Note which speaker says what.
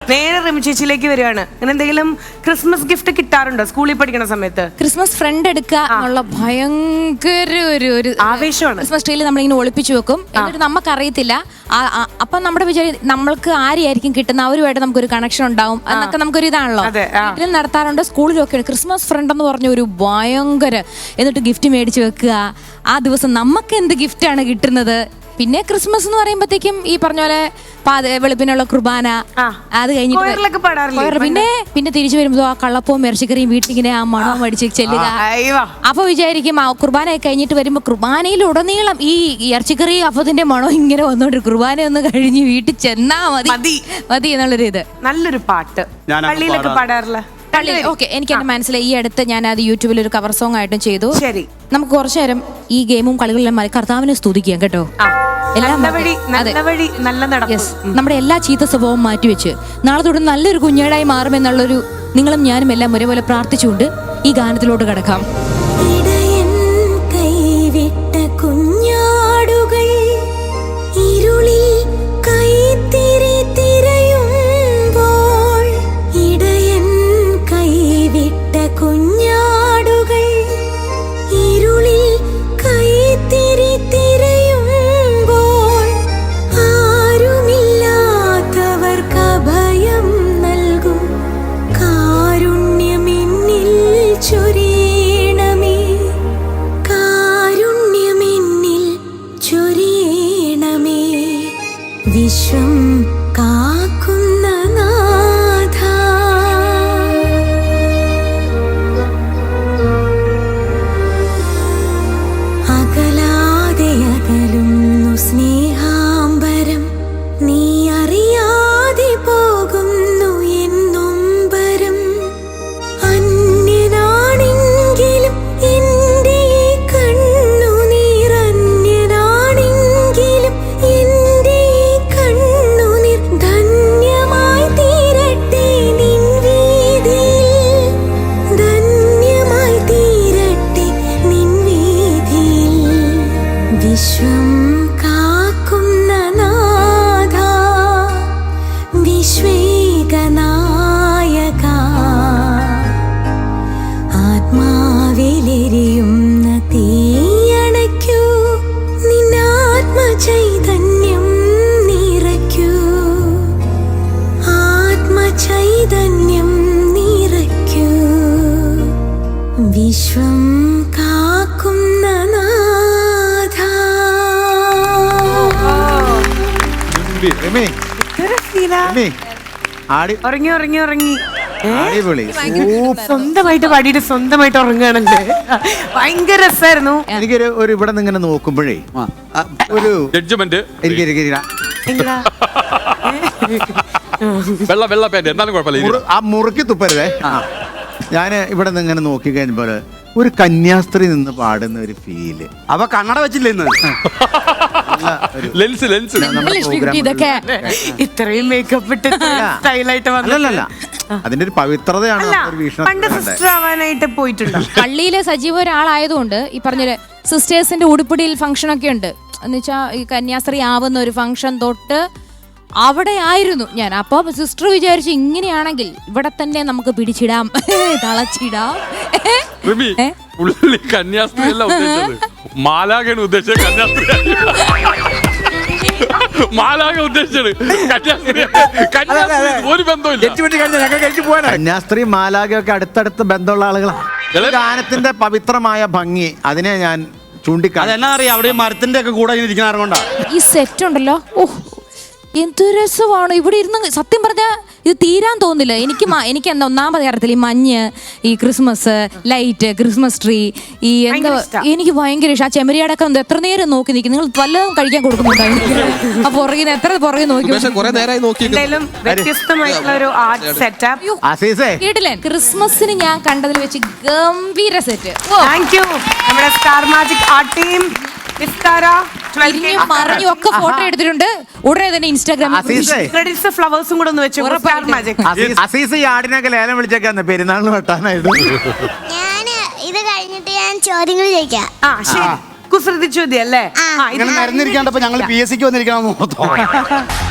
Speaker 1: നേരെ റിമി ചേച്ചിയിലേക്ക് വരികയാണ്. അങ്ങനെ എന്തെങ്കിലും ക്രിസ്മസ് ഗിഫ്റ്റ് കിട്ടാറുണ്ടോ സ്കൂളിൽ പഠിക്കുന്ന സമയത്ത്?
Speaker 2: ക്രിസ്മസ് ഫ്രണ്ട് എടുക്കുക എന്നുള്ള ഭയങ്കര ഒരു
Speaker 1: ആവേശമാണ്.
Speaker 2: ക്രിസ്മസ് ട്രീയിൽ നമ്മളിങ്ങനെ ഒളിപ്പിച്ചു വെക്കും. എന്നിട്ട് നമുക്കറിയത്തില്ല. അപ്പം നമ്മുടെ വിചാരം നമ്മൾക്ക് ആരെയായിരിക്കും കിട്ടുന്ന, അവരുമായിട്ട് നമുക്കൊരു കണക്ഷൻ ഉണ്ടാവും എന്നൊക്കെ നമുക്കൊരു ഇതാണല്ലോ. വീട്ടിലും നടത്താറുണ്ട്, സ്കൂളിലൊക്കെ. ക്രിസ്മസ് ഫ്രണ്ട് എന്ന് പറഞ്ഞ ഒരു ഭയങ്കര, എന്നിട്ട് ഗിഫ്റ്റ് മേടിച്ച് വെക്കുക. ആ ദിവസം നമുക്ക് എന്ത് ഗിഫ്റ്റാണ് കിട്ടുന്നത്? പിന്നെ ക്രിസ്മസ് എന്ന് പറയുമ്പോഴത്തേക്കും ഈ പറഞ്ഞ പോലെ വെളുപ്പിനുള്ള കുർബാന, അത് കഴിഞ്ഞിട്ട് പിന്നെ തിരിച്ചു വരുമ്പോ ആ കള്ളപ്പവും ഇറച്ചിക്കറിയും വീട്ടിലിങ്ങനെ ആ മണവും അടിച്ച് ചെല്ലുക. അപ്പൊ വിചാരിക്കും ആ കുർബാന കഴിഞ്ഞിട്ട് വരുമ്പോ കുർബാനയിൽ ഉടനീളം ഈ ഇറച്ചിക്കറി അപ്പത്തിന്റെ മണം ഇങ്ങനെ വന്നോണ്ട് കുർബാന ഒന്ന് കഴിഞ്ഞ് വീട്ടിൽ ചെന്നാ മതി എന്നുള്ളൊരു ഇത്.
Speaker 1: നല്ലൊരു പാട്ട് പള്ളിയിലൊക്കെ പാടാറില്ല.
Speaker 2: ഓക്കെ, എനിക്ക് എന്റെ മനസ്സിലായി. ഈ അടുത്ത് ഞാൻ അത് യൂട്യൂബിൽ ഒരു കവർ സോങ് ആയിട്ടും ചെയ്തു.
Speaker 1: ശരി,
Speaker 2: നമുക്ക് കുറച്ചു നേരം ഈ ഗെയിമും കളികളിലും കർത്താവിനെ സ്തുതിക്കാം കേട്ടോ. നമ്മുടെ എല്ലാ ചീത്ത സ്വഭാവവും മാറ്റിവെച്ച് നാളെ തൊട്ട് നല്ലൊരു കുഞ്ഞേടായി മാറുമെന്നുള്ളൊരു നിങ്ങളും ഞാനും എല്ലാം ഒരേപോലെ പ്രാർത്ഥിച്ചുകൊണ്ട് ഈ ഗാനത്തിലോട്ട് കടക്കാം.
Speaker 3: വിശ്വം കാക്കുന്ന നാഥ, അകലാതെ അകലുന്നു സ്നേഹാംബരം, നീ അറിയാതെ പോകുന്നു എന്നൊമ്പരം. അന്യനാണെങ്കിലും എന്റെ കണ്ണുനീർ, അന്യനാണെങ്കിലും എന്റെ കണ്ണുനീർ ധന്യമായി തീരട്ടെ നിൻ വീതിയിൽ, ധന്യമായി തീരട്ടെ നിൻ വീതിയിൽ. വിശ്വം കാക്കുന്ന നാഥ, വിശ്വേകനായക, ആത്മാവിലെരിയുന്ന തീയണയ്ക്കൂ, നിന്നാത്മചൈതന്യം നിറയ്ക്കൂ, ആത്മചൈതന്യം നിറയ്ക്കൂ. വിശ്വം കാക്കുന്ന നാഥ.
Speaker 1: ഉറങ്ങി സ്വന്തമായിട്ട് പാടിയിട്ട് സ്വന്തമായിട്ട് ഉറങ്ങുകയാണല്ലേ. ഭയങ്കര രസമായിരുന്നു.
Speaker 4: എനിക്കൊരു ഇവിടെ നിന്ന് ഇങ്ങനെ നോക്കുമ്പോഴേ ഒരു ജഡ്ജ്മെന്റ് ആ മുറുക്കി തുപ്പരുതേ. ഞാൻ ഇവിടെ നിന്ന് ഇങ്ങനെ നോക്കി കഴിഞ്ഞപ്പോൾ ഒരു കന്യാസ്ത്രീ നിന്ന് പാടുന്ന ഒരു ഫീല്.
Speaker 5: അവ കണ്ണട വെച്ചില്ല ഇന്ന്.
Speaker 2: ഇതൊക്കെ
Speaker 1: ഇത്രയും മേക്കപ്പ് ഇട്ട് സ്റ്റൈലായിട്ട്
Speaker 4: അല്ലല്ല, അതിന്റെ ഒരു പവിത്രതയാണ്
Speaker 1: ആവാനായിട്ട് പോയിട്ടുണ്ട്.
Speaker 2: പള്ളിയിലെ സജീവ ഒരാളായതുകൊണ്ട് ഈ പറഞ്ഞ സിസ്റ്റേഴ്സിന്റെ ഉടുപ്പിടിയിൽ ഫംഗ്ഷൻ ഒക്കെ ഉണ്ട്. എന്ന് വെച്ചാൽ ഈ കന്യാസ്ത്രീ ആവുന്ന ഒരു ഫംഗ്ഷൻ തൊട്ട് അവിടെ ആയിരുന്നു ഞാൻ. അപ്പൊ സിസ്റ്റർ വിചാരിച്ചു ഇങ്ങനെയാണെങ്കിൽ ഇവിടെ തന്നെ നമുക്ക് പിടിച്ചിടാം, തളച്ചിടാം.
Speaker 6: കന്യാസ്ത്രീ മാലാഖയാണ് ഉദ്ദേശിച്ചത്. ഒരു ബന്ധമില്ല.
Speaker 4: കന്യാസ്ത്രീ മാലാഖയൊക്കെ അടുത്തടുത്ത് ബന്ധമുള്ള ആളുകളാണ്. ഗാനത്തിന്റെ പവിത്രമായ ഭംഗി അതിനെ ഞാൻ ചൂണ്ടിക്കാണാം.
Speaker 5: അതെന്നാ അറിയാം, അവിടെ മരത്തിന്റെ ഒക്കെ കൂടെ ഇരിക്കുന്ന ആരുകൊണ്ടാ
Speaker 2: ഈ സെറ്റ് ഉണ്ടല്ലോ. ഓഹ്, എന്ത് രസമാണ് ഇവിടെ ഇരുന്ന്. സത്യം പറഞ്ഞാൽ ഇത് തീരാൻ തോന്നില്ല എനിക്ക്. എന്താ ഒന്നാമത് കാര്യത്തിൽ ഈ മഞ്ഞ്, ഈ ക്രിസ്മസ് ലൈറ്റ്, ക്രിസ്മസ് ട്രീ, ഈ എന്താ എനിക്ക് ഭയങ്കര ഇഷ്ടം. ആ ചെമ്മരിയാടൊക്കെ എത്ര നേരം നോക്കി നിൽക്കും. നിങ്ങൾ വല്ലതും കഴിക്കാൻ കൊടുക്കുന്നുണ്ടായിരുന്നു. ആ പുറകിന് എത്ര പുറകെ നോക്കി. കേട്ടില്ലേ, ക്രിസ്മസിന് ഞാൻ കണ്ടതിൽ വെച്ച് ഗംഭീര സെറ്റ്.
Speaker 1: നമ്മുടെ സ്റ്റാർ മാജിക് ആർട്ട് ടീം
Speaker 2: ഒക്കെ ഫോട്ടോ എടുത്തിട്ടുണ്ട്. ഉടനെ തന്നെ ഇൻസ്റ്റാഗ്രാമിൽ
Speaker 1: ഫ്ലവേഴ്സും കൂടെ ഒന്ന് വെച്ചു.
Speaker 4: ആടിനൊക്കെ ലേലം വിളിച്ചേക്കാന്ന് പെരുന്നാളിന് വെട്ടാനായിട്ട്.
Speaker 3: ഇത് കഴിഞ്ഞിട്ട് ഞാൻ ചോദ്യങ്ങൾ ചോദിക്കാം.
Speaker 1: കുസൃതി ചോദ്യം അല്ലേ?
Speaker 5: മരുന്നിരിക്കാണ്ടപ്പോ ഞങ്ങൾ PSC ക്ക് വന്നിരിക്കണം.